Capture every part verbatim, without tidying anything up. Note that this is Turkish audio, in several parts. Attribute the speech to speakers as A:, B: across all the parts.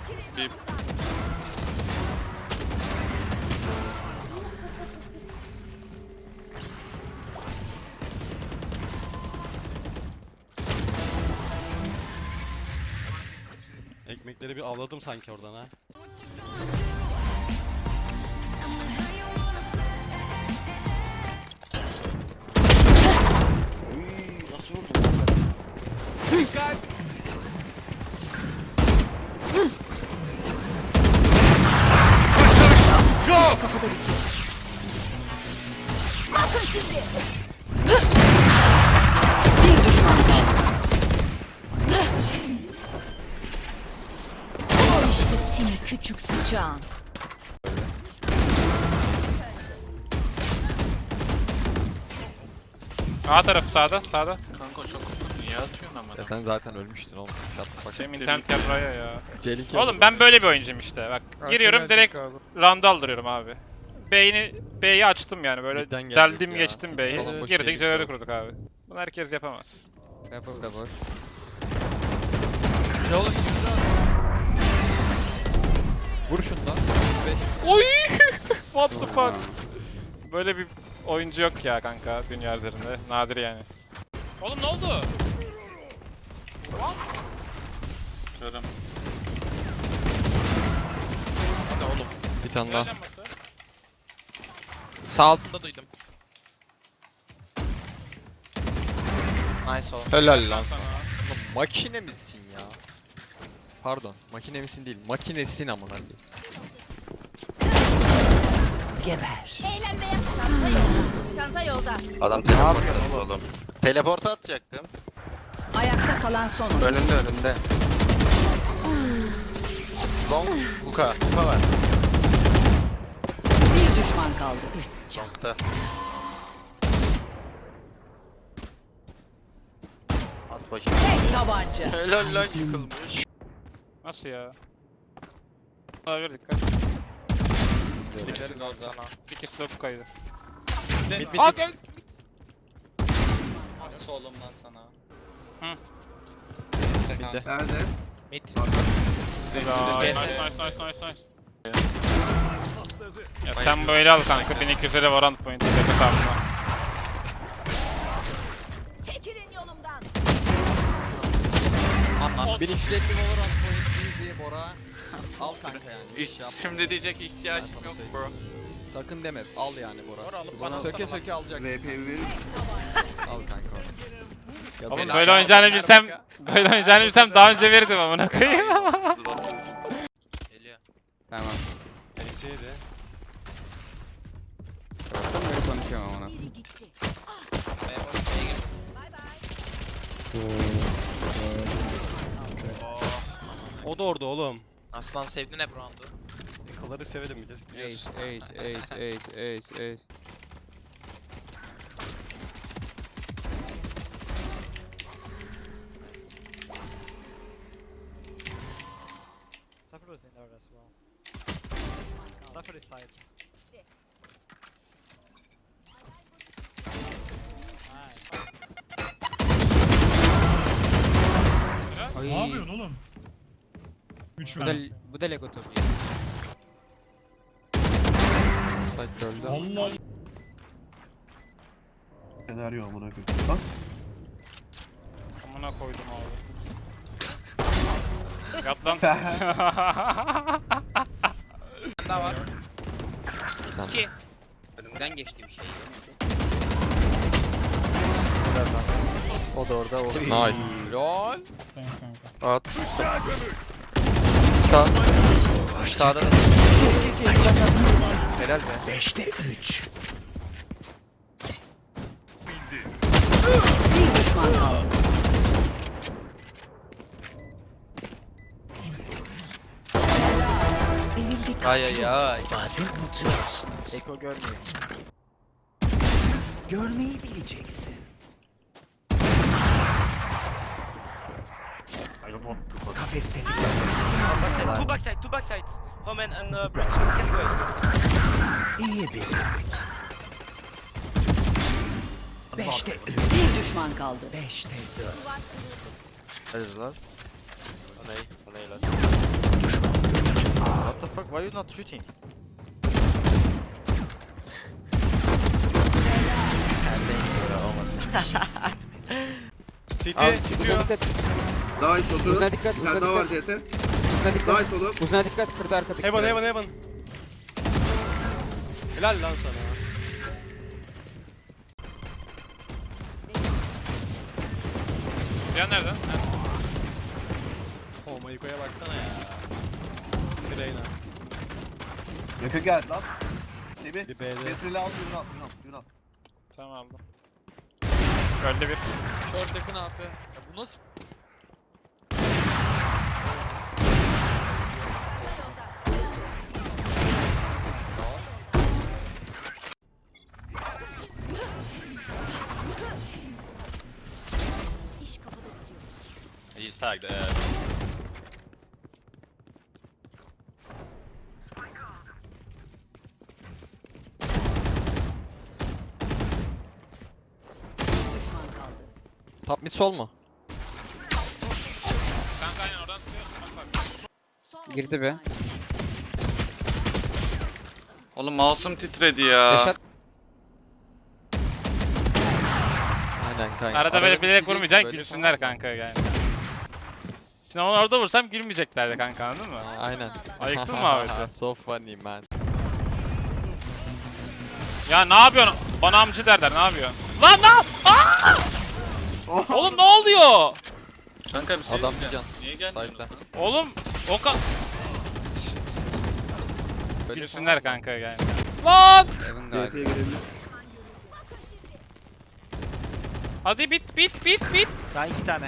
A: Bir...
B: Ekmekleri bir avladım sanki oradan ha.
C: Uy, nasıl vurdun?
B: Dikkat! Go!
D: Kafada bitiyor. Bakın şimdi. Bir düşman kaldı. İşte seni küçük sıçağın.
E: A tarafı sağda, sağda.
A: Kanka çok niye atıyorsun ama?
C: Ya sen zaten ölmüştün oğlum. Şat bak.
E: Senin internet yapraya ya.
C: Celik
E: Oğlum ben böyle bir oyuncuyum işte. Bak giriyorum direkt round aldırıyorum abi. B'yi B'yi açtım yani böyle
C: Midden gelecek
E: deldim
C: ya.
E: geçtim
C: Siki
E: B'yi.
C: falan boş
E: Girdik
C: değil
E: Celal'i
C: ya.
E: kurduk abi. Bunu herkes yapamaz.
C: Rapper da boş.
F: Ya oğlum yürü lan.
C: Vur şundan.
E: Oy! What the fuck? Böyle bir oyuncu yok ya kanka dünya üzerinde. Nadir yani. Oğlum ne oldu?
A: Görüm.
F: Hadi oğlum.
C: Bir tane daha.
E: Geleceğim bak da.
F: Sağ altında duydum. Nice oğlum.
C: Helal lan.
E: Sana.
C: Oğlum makine misin ya? Pardon, makine misin değil, makinesin amına koyayım.
D: Geber.
G: Eğlenmeye çanta yolda. Çanta yolda.
H: Adam teleport attı oğlum. Teleporta atacaktım.
D: Ayakta kalan son oyuncu.
H: Önünde önünde. Long Uka. Uka var.
D: Bir düşman kaldı. Üç can.
H: Long'da. At bakayım.
D: Tek tabanca.
H: Helal lan yıkılmış.
E: Nasıl ya? Olabilir dikkat.
F: Birisi kaldı sana.
E: İkisi de bu kaydı.
C: Bit bit
F: Aa
C: bit.
F: gel. Nasıl oğlum lan sana?
E: Hı.
C: Bitti.
I: Nerede?
F: Mid.
E: Nice nice nice nice nice nice. Ya sen böyle al kanka bin iki yüze Valorant point tepe tamamla.
G: Çekilin yolumdan.
F: Anlam.
C: bin iki yüz elli Valorant point easy Bora. Al kanka yani. hiç
A: Hiç,
C: yapma.
A: şimdi diyecek
C: Ben
A: ihtiyacım
C: sana
A: yok
C: söyleyeyim.
A: bro.
C: Sakın deme, al yani Bora.
E: Bora alıp
C: Bana
E: bana
C: söke
E: alsana
C: söke alacaksın.
I: V P verir.
C: Al kanka onu. Ya
E: Oğlum
C: beni
E: böyle
C: al,
E: oynayacağını
C: ver
E: bilsem,
C: kanka.
E: böyle oynayacağını bilsem daha önce verirdim amına koyayım.
F: Geliyor.
C: Tamam.
B: Neyse de.
C: Tamam ben konuşuyorum ona.
D: Biri gitti.
F: B'ye boş B'ye gir.
G: Bay bay.
F: Oo.
B: O da orada oğlum.
F: Aslan sevdin hep round'u.
B: Yakaları severim biliyorsun. biliyorsun.
C: Ace, ace, ace, ace, ace, ace.
J: Cypher was in there as well. Cypher is side. Nice.
K: Ne yapıyorsun oğlum? üç
C: Bu da,
K: ver.
C: bu da Lego topu. Site öldü.
K: Allah.
I: Senaryo amına koyayım. Bak.
E: Amına koydum abi. Yat lan.
F: Bir daha var.
C: Tamam.
F: İki. Önümden geçti bir şey.
C: O da orada. O. Nice. Lol.
K: Thanks kanka.
C: At. Sağ. Sağda da. Helal be.
I: Beşte üç.
D: Bir düşman kaldı. Benim bir
C: Ay ay ay.
I: Bazen unutuyorsun.
C: Eko görmüyor.
I: Görmeyi bileceksin. Kafes tetiklendi.
L: Backside, two backside, two backsides. Homen and uh, Bridge. Can go.
I: İyi bir. Beşte üç.
D: Bir düşman kaldı.
I: Beşte dört.
C: Hadi lan.
H: O ne? O ne lan?
I: Düşman
K: Why you not shooting?
B: City
K: Abi,
B: çıkıyor.
H: Daha iyi sosu.
K: Uzuna dikkat,
H: Bir
K: uzuna
H: tane daha var
K: dikkat.
H: C T.
K: Uzuna dikkat.
H: Daha iyi solu.
K: Uzuna dikkat, kırdı arkadaki.
B: Heaven heaven heaven. Helal lan sana.
E: Silah nereden? Ha.
B: Oh Mayuko'ya baksana ya. Reyna.
H: Yakın geldi lan. Debi.
B: Bir B'de.
H: Getirili al, yürü al, yürü al, yürü al.
E: Tamam aldım. Öldü bir.
C: Short yakın A P. Ya bu nasıl?
G: İş kafada bitiyor.
B: He's tagged.
D: Düşman kaldı.
C: Top mid sol mu?
E: Kanka aynen oradan sıkıyorsun. Bak bak.
G: Son
K: Girdi be.
A: Oğlum mouse'um titredi ya.
C: Deşat. Aynen kanka.
E: Arada böyle bilerek
C: düşeceksin,
E: vurmayacaksın
C: böyle
E: gülsünler
C: falan.
E: kanka yani. Şimdi onu orada vursam gülmeyeceklerdi kanka anladın mı?
C: Aynen.
E: Ayıktın mı Ahmet'i?
C: So funny man.
E: Ya ne yapıyorsun? Bana amcı derler ne yapıyorsun? Lan lan! Aa! Oğlum ne oluyor?
A: Kanka bir şey
C: Adam
A: diyeceğim.
C: bir can.
A: Niye gelmiyorsun?
C: Side'da.
E: Oğlum o ka...
C: Böyle
E: Gülsünler kanka yani. Lan!
K: Heaven galiba.
H: C T'ye gelebilir.
E: Hadi bit bit bit bit.
K: Daha iki tane.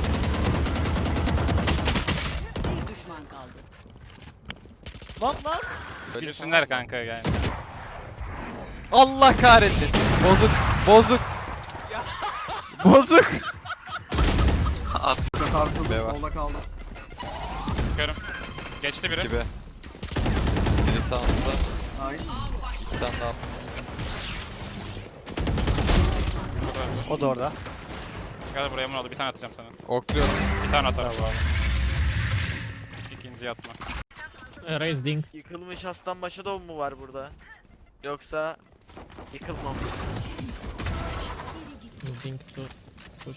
D: Bir düşman kaldı.
K: Lan lan.
C: Böyle
E: Gülsünler
C: falan.
E: kanka yani.
C: Allah kahretmesin. Bozuk. Bozuk. Bozuk.
H: Sarsıldı,
C: B var.
H: solda kaldı.
E: Görüm. Geçti biri.
C: Gibi. Biri sağında.
H: Nice.
C: Bir tane daha.
K: O da orada.
E: Gel buraya bunu aldı. Bir tane atacağım sana.
C: Okluyorum.
E: Bir tane atarım bu arada. İkinciyi atma.
J: Raising.
K: Yıkılmış aslan başı da mu var burada? Yoksa yıkılmamış.
J: Moving to push.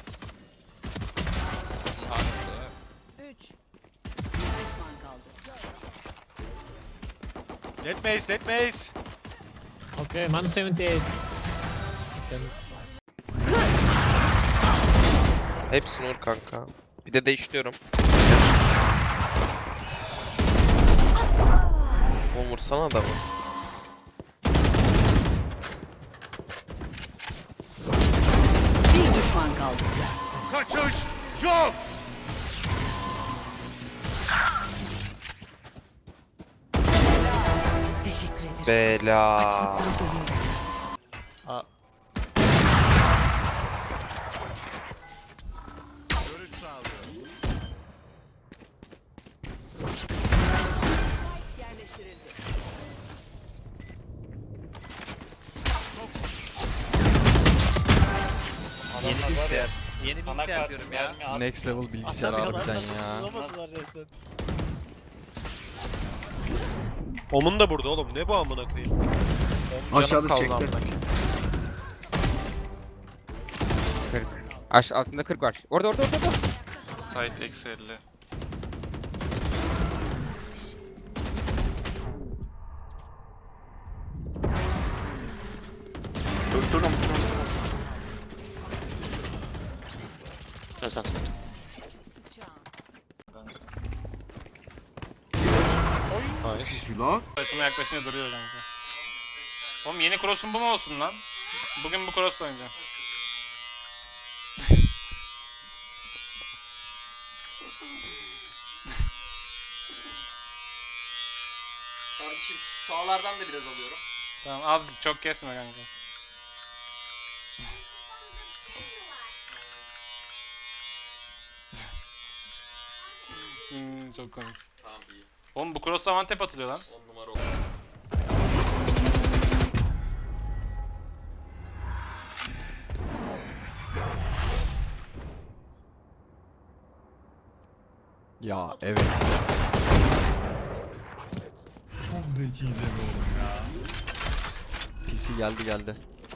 D: Üç. Bir düşman kaldı.
B: Let Mace, let Mace.
J: Okay, man seventy-eight.
L: Hepsini vur kanka. Bir de değiştiriyorum. Oğlum vursana adamı.
D: Bir düşman kaldı.
B: Kaçış yok.
D: Teşekkür ederim.
L: Bela.
D: Açlıktan ölüyorum.
E: Aa.
D: Yerleştirildi.
K: Yeni bilgisayar. Yeni bilgisayar diyorum ya.
C: Next level bilgisayar harbiden ya.
K: Bulamadılar resmen.
B: Omun da burada oğlum. Ne bu amına koyayım?
H: Aşağıda çekti.
K: kırk. Aş altında kırk var. Orada orada orada. orada.
A: Site eksi elli. Dur durun.
H: Şuna.
E: Başıma yaklaşınca duruyor kanka. Oğlum yeni cross'um bu mu olsun lan? Bugün bu cross'la oynayacağım.
F: Kardeşim sağlardan da biraz alıyorum.
E: Tamam az çok kesme kanka. hmm, çok komik.
F: Tamam iyi.
E: Oğlum bu cross'la one tap atılıyor lan.
F: on numara oldu.
C: Ya evet. P C geldi geldi.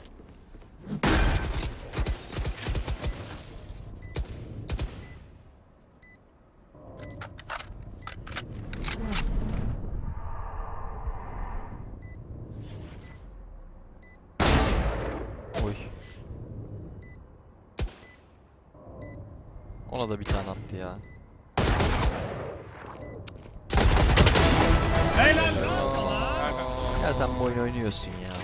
C: Oy. Ona da bir tane attı ya. Ya sen bu oyunu oynuyorsun ya.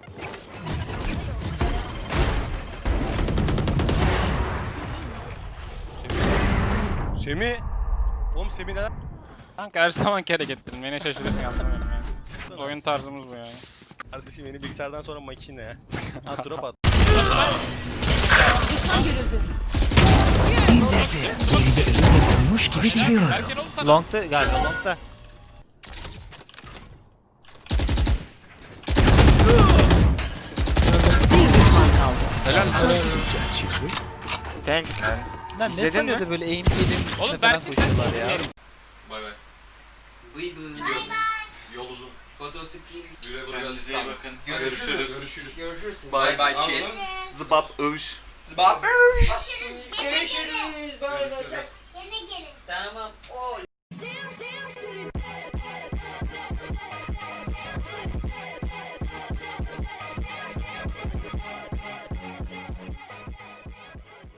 B: Semih. Oğlum Semih neden?
E: Kanka her zaman hareketlerim. Beni şaşırıyorsun anlamıyorum yani. Oyun tarzımız bu yani.
B: Kardeşim yeni bilgisayardan sonra makine. Ha drop at.
D: Düşman görüldü.
I: İndirdi. Yerinde elinde bulmuş gibi gidiyor.
E: Erken oğlum sana.
K: Long'da galiba long'da.
D: Bir düşman kaldı.
E: Helal.
I: Gideceğiz şimdi.
K: Thanks man.
C: Lan ne
K: İzledin
C: sanıyordu
K: mi?
C: böyle aim P'lerin üstüne
E: Oğlum
C: falan
E: Berk'in
C: koşuyorlar ya.
A: Bay bay.
F: Bıy bıy.
A: Yol uzun.
F: Fotosikli.
A: Güle güle.
F: Kendinize
A: Kendinize iyi bakın. Görüşürüz.
F: Görüşürüz. Görüşürüz.
K: Bye bye chat. Zıbap övüş. Zıbap
F: Görüşürüz. Görüşürüz. Bay bay. Yine gelin. Tamam. Oy.